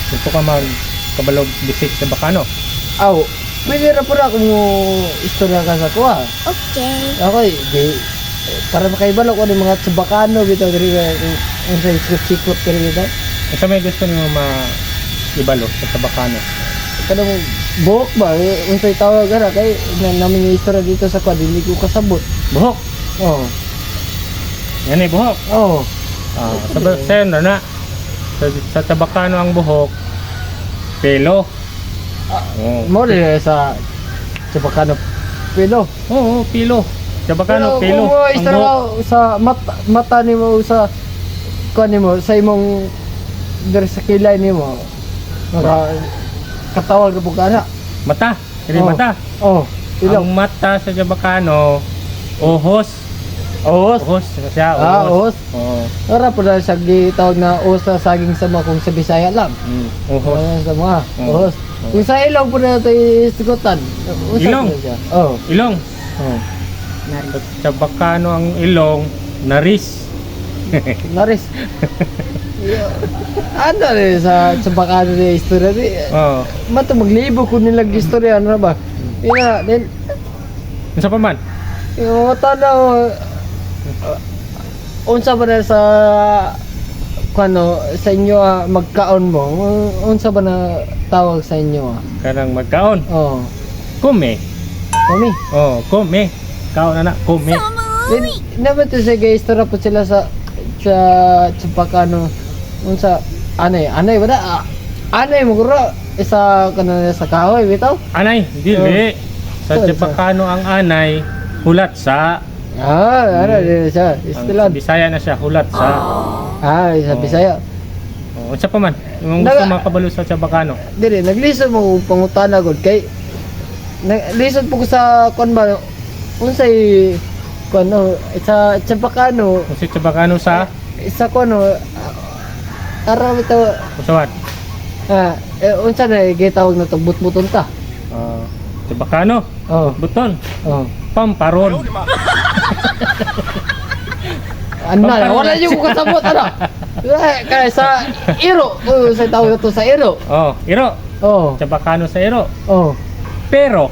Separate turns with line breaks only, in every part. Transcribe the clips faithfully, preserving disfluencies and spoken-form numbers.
gusto ka magkabalog bisik sa Bacano.
Aw, pwede ra pura kung istorya ka sa kuha.
Okay.
Ako, di, para makaibalo ko ng mga Bacano bitaw diri ang sa sikot-sikot kaya bitaw.
Kung sa may gusto niyo ma-ibalo sa Bacano.
Kanang buhok ba? Unsay tawag ara kay na namin yung istorya dito sa kuha, dili ko kasabot.
Buhok.
Oh.
Yan eh, buhok.
Oh.
Ah, sa Bacano na. Sa, sa Tabacano ang buhok. Pelo. Oh.
Mo rin sa sa Bacano pelo.
Oo, pilo. Sa Bacano, pelo.
Kung mo
Ang
istorya
buhok.
ka sa mata, mata nimo sa kuha nimo sa imong diri sa kilay nimo. Maka katawag ka bugana.
Mata. Kini
Oh.
mata.
Oh.
Ang mata sa Bacano, ohos.
Ohos.
Ohos siya,
Ah,
ohos.
ohos.
Oo.
Ora po na siya gitawag na ohos sa saging sama kung sa Bisaya lang.
Mm, ohos.
Oh, sa mga
Oh.
ohos. Kung sa ilong po na ito isigutan.
Ilong?
Oh.
Ilong.
Oh.
Sa, sa Bacano ang ilong, naris.
Naris. Ano rin sa sa Bacano na istorya di.
Oo.
Mato maglibo ko nilang istorya ano ba? Ina, then
Unsa pa man?
yung tanaw uh, unsa ba na sa kano sa inyo ah, magkaon mo? Unsa ba na tawag sa inyo? Ah?
Kanang magkaon.
Oh.
Kume.
Kami.
Oh, kume. Kaon na na, kume.
Then, naman to sa guys, tara po sila sa sa sa Bacano unsa anay anay ba da ah, anay mo guro isa kana sa kahoy bitaw
Anay, dili. Sa
Oh.
Bacano ang anay, hulat sa.
ah ano din siya
Ang sa
istilan
Bisaya na siya, hulat sa.
ah sa
Oh.
Bisaya
Oh, unsa pa man? Yung gusto
Naga-
makabalo sa Bacano.
dire naglisod mo pangutana gud kay naglisod po ko sa kon ba unsay kon no sa sa Bacano
Kung sa Bacano sa
isa kon no araw bitaw
Usawan.
ah eh, unsa na gitawag na to butbuton ta
Ah, sa Bacano,
oh
buton,
oh
pamparon.
Ano na, wala yung kasabot, ano? Eh, Kaya sa iro, oh, sa tawag ito sa iro.
Oh, iro.
Oh,
Sa Bacano sa iro.
oh.
Pero,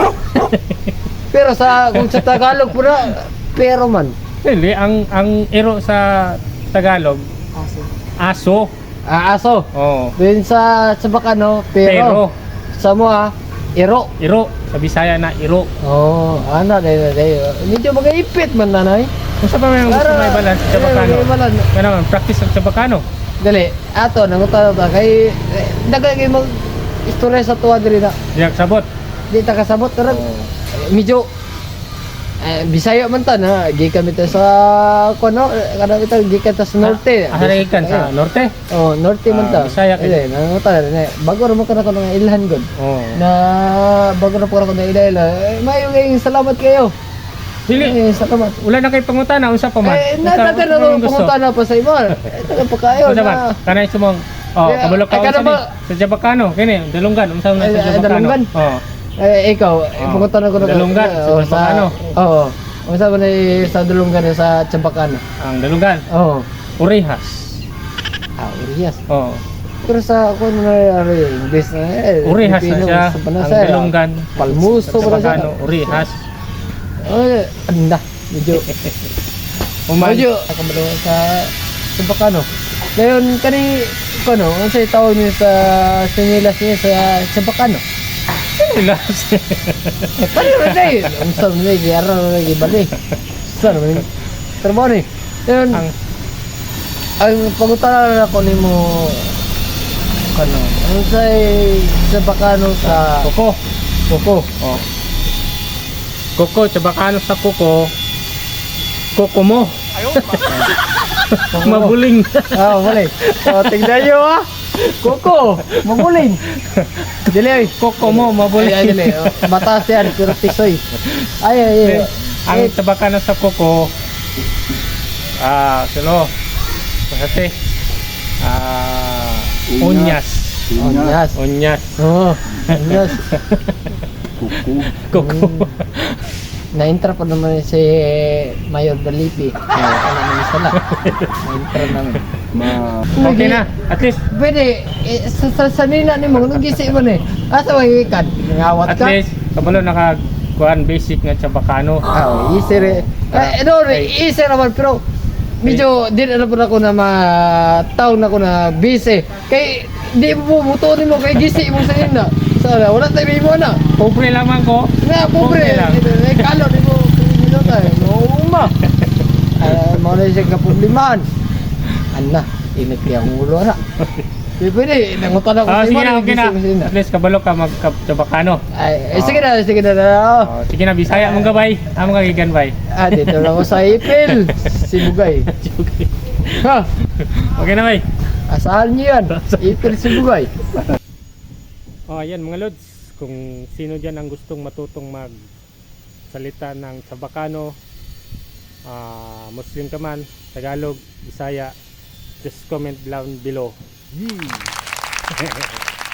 Pero sa, kung sa Tagalog po na, pero man.
hindi, ang ang iro sa Tagalog, aso.
Ah, aso.
Oh,
Then sa, sa Bacano,
pero.
pero. Sa mo ah, iro.
Iro. Sa Bisaya na iro.
Oh, ano, dahil, dahil. Medyo mag-ipit man nanay.
Kung sa pa may gusto
Para-
may balance sa
eh,
Bacano.
may balance.
Kaya naman, practice sa Bacano.
Dali, ato, nangutan ta kay, eh, daga kayo mag, istorya sa tuwa diri na.
Diyak sabot.
Di ta kasabot, tarag.
Oh.
Medyo eh, Bisaya man ta na gikan mi ta sa kuno kada ito gikan ta sa norte.
Ah, Aharikan sa norte.
Oh, norte man ta.
Ah, Bisaya kayo.
Eh, nang ta na bago ra mo kana ko ng ilhan gud.
Oh.
Na bago ra po ako ng ilala. Eh, mayo kay salamat kayo.
Dili.
Eh, salamat.
Wala na kay pangutana unsa pa man.
Eh,
Unsa-
natagan
unsa
na
man
ko
gusto?
pumunta na pa sa iba. Eh, taga pa kayo
Unsa man?
na.
Kanay sumong. Oh,
Yeah,
kabalo ka
ay, kada
unsa ni?
ba-
Sa Jabacano, kini, dalunggan unsa man
Ay,
sa
ay,
Jabacano?
dalunggan?
Oh.
Eh, ikaw, eh,
Oh,
pumunta na ko na
Dalungan, sa
oh,
Chambacano.
Oo. Unsa ba na sa Dalungan sa Chambacano?
Ang dalunggan,
Oo.
Urihas.
Ah, Urias.
Oh.
Pero sa ako na ano yung English na eh.
Urihas na
Pilipino,
siya.
sa
Ang
Panasa,
dalunggan.
Palmuso
sa
ba na siya?
Jabacano, Urihas.
Oh, anda. Medyo.
Uman.
Medyo. Nakabalo sa Chambacano. Ngayon, kani, ano, ano sa'yo tawag niyo sa sinilas niya sa Chambacano?
Ilas.
Eh, paano na na yun? Ang saan na yun? Araw na naging bali. Saan na yun? Pero mo ni. Ngayon,
Ang
ang pagutana na ako ni mo ano, ano sa sa Bacano sa
kuko.
Koko.
Oh. Kuko, Jabacano sa kuko. Kuko mo. Mabuling.
Ah, mali. Oh, tignan niyo ah. Koko, mabuling. Dili ay.
Kuko mo,
Ay,
mabuling.
ay, dili. Oh, mataas yan, pero tisoy. Ay, ay, ay.
Ang
Eh,
Jabacano sa kuko, ah, silo. Kasi, ah, unyas.
Onyas.
Unyas.
Oh, onyas.
Kuko.
Na-intra pa naman si Mayor Dalipi. Ano naman sila. Na-intra naman.
Ma
Okay na. At least,
Pwede, eh, sa, sa sanina ni mo, nung gisi mo ni, asa mo ikan? Nangawat
at
ka?
least, kabalo naka kuan basic nga Chabacano.
Ah, easy rin. Eh, no,
Okay.
easy naman, pero medyo di na po ako na ma-town ako na busy. Kay, di mo po, mutunin mo, kay gisi mo sa nina. So, wala tayo may mo na.
Pobre lamang ko.
Nga, pobre.
Okay lang.
Eh, kalo, di mo, minuto eh. Mauma. Ah, mo na siya kaproblimahan. Ana, init kaya ang ulo na. Di pwede, nangutan ako
Ah,
sa
sige
iba,
na, okay na.
gising mo sa nina.
At least kabalo ka mag Chabacano.
Ay, eh, sige na, sige na na.
Oh, sige na, Bisaya mong gabay. Amo ka gigan bay.
Ah, dito na ako sa Ipil. Sibugay. Ha?
Okay na bay.
Asahan niyo yan. Ipil Sibugay.
Oh, ayan mga lods, kung sino diyan ang gustong matutong mag salita ng Chabacano, ah, Muslim ka man, Tagalog, Bisaya, just comment down below.